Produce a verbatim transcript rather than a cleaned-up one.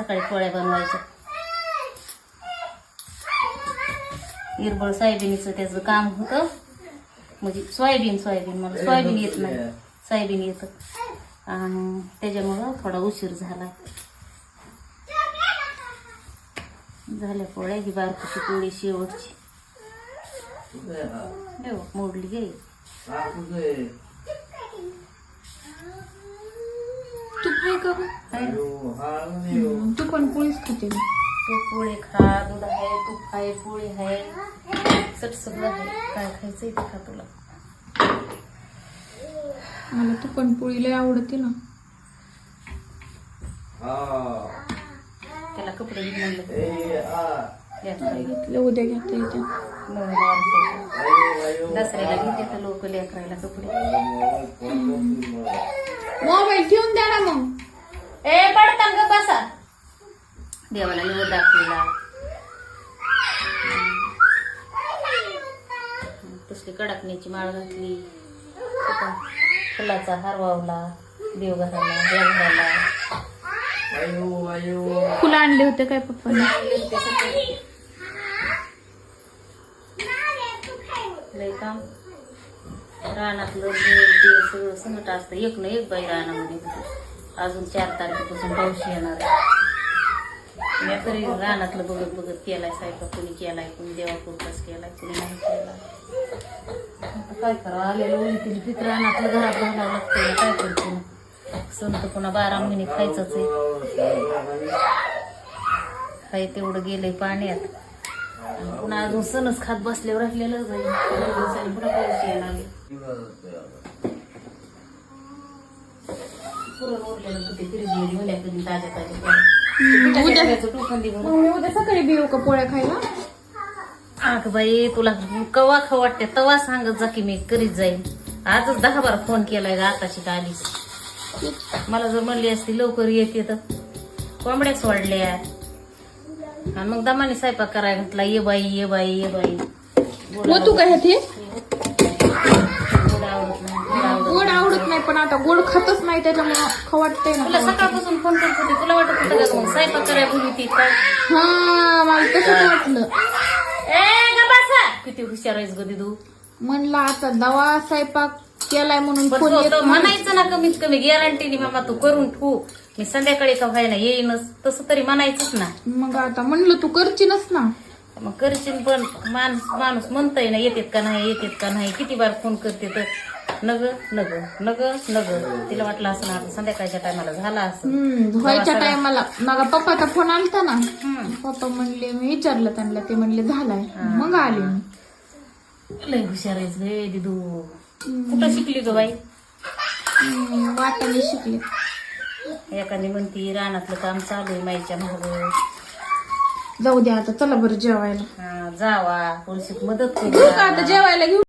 सकाळी पोळ्या बनवायच्या. हिरबळ सोयाबीनचं त्याचं काम होतं, म्हणजे सोयाबीन सोयाबीन मला सोयाबीन येत नाही, सोयाबीन येतं आणि त्याच्यामुळं थोडा उशीर झाला. झाल्या पोळ्या. ही बारकीची पोळी शेवटची मोडली गे. तूप आहे का? तू पण पोळीच खाते. तूप पोळी खा, दूध आहे, तूप आहे, पोळी आहे, सट सगळं आहे. काय खायचंय ते खा तुला. मला तू पण पोळी लय आवडते ना. त्याला कपडे घेऊन घेतले, उद्या घेता येते. दसऱ्याला घेते तर लोक लेकरायला कपडे. मोबाईल ठेवून द्या ना मग. ए पडता ग बसा. देवाला निवड दाखवला, तसली कडकण्याची माळ घातली, फुलाचा हार वावला देवघराला देवघराला. फुलं आणले होते काय पप्पाने? लय काम रानातलं ते सगळं संकट असतं. एक ना एक बाई रानामध्ये अजून चार तारखेपासून पाऊस येणार आहे. मी तरी रानातलं बघत बघत केलाय स्वयंपाक. कुणी केलाय, कुणी देवापुरताच केलाय, कुणी नाही केलाय. आता काय करा, आलेलं ओळी तिला पित रानातलं घरात घालावं लागतं. काय करतो ना, सण तर पुन्हा बारा महिने खायचंच आहे. काही तेवढं गेलंय पाण्यात, पुन्हा अजून सणच खात बसल्यावर राहिलेलं जाईल. पुन्हा पाऊस येणार. पुरण उरलेलं कधी फ्रीज मध्ये उद्या कधी ताज्या ताज्या उद्या सकाळी बिऊ का पोळ्या खायला? अग बाई तुला कवा खा वाटते तवा सांगत जा की मी करीत जाईल. आजच दहा बारा फोन केलाय ग आताची आलीस. मला जर म्हणली असती लवकर येते तर कोंबड्या सोडल्या आणि मग दमाने स्वयंपाक करायला घातला. ये बाई ये बाई ये बाई. तू काय ते गोड आवडत नाही. गोड आवडत नाही, पण आता गोड खातच नाही त्याच्यामुळे खवाटतंय ना. तुला सकाळपासून फोन करत होती, तुला वाटत होतं का मग स्वयंपाक करायला बोलली ती काय? हा मला तसंच वाटलं. ए ग बसा. किती हुशार आहेस ग दिदू. म्हणलं आता दवा स्वयंपाक केलाय म्हणून पण फोन तो- येत तो नाही. म्हणायचं ना कमीत कमी गॅरंटीने मामा तू करून ठेवू, मी संध्याकाळी का व्हायना येईनच, तसं तरी म्हणायचंच ना. मग आता म्हणलं तू करशीलच ना. मग करशील पण माणूस माणूस म्हणतय ना येतेत का नाही येतेत का नाही. किती बार फोन करते तर नग नग नग नग. तिला वाटलं असं ना संध्याकाळच्या टायमाला झाला असं. हम्म व्हायच्या टायमाला माझा पप्पाचा फोन आलता ना. पप्पा म्हणले, मी विचारलं त्यांना, ते म्हणले झालाय. मग आले मी. लय हुशार आहेस गे दिदू. कुठं शिकली ग बाई? हम्म, वाटाणे शिकले. एखादी म्हणती रानातलं काम चालू आहे माईच्या मागं. जाऊ द्या आता, चला बरं जेवायला. हा जावा थोडीशी मदत घेऊ करू. का आता जेवायला घेऊ?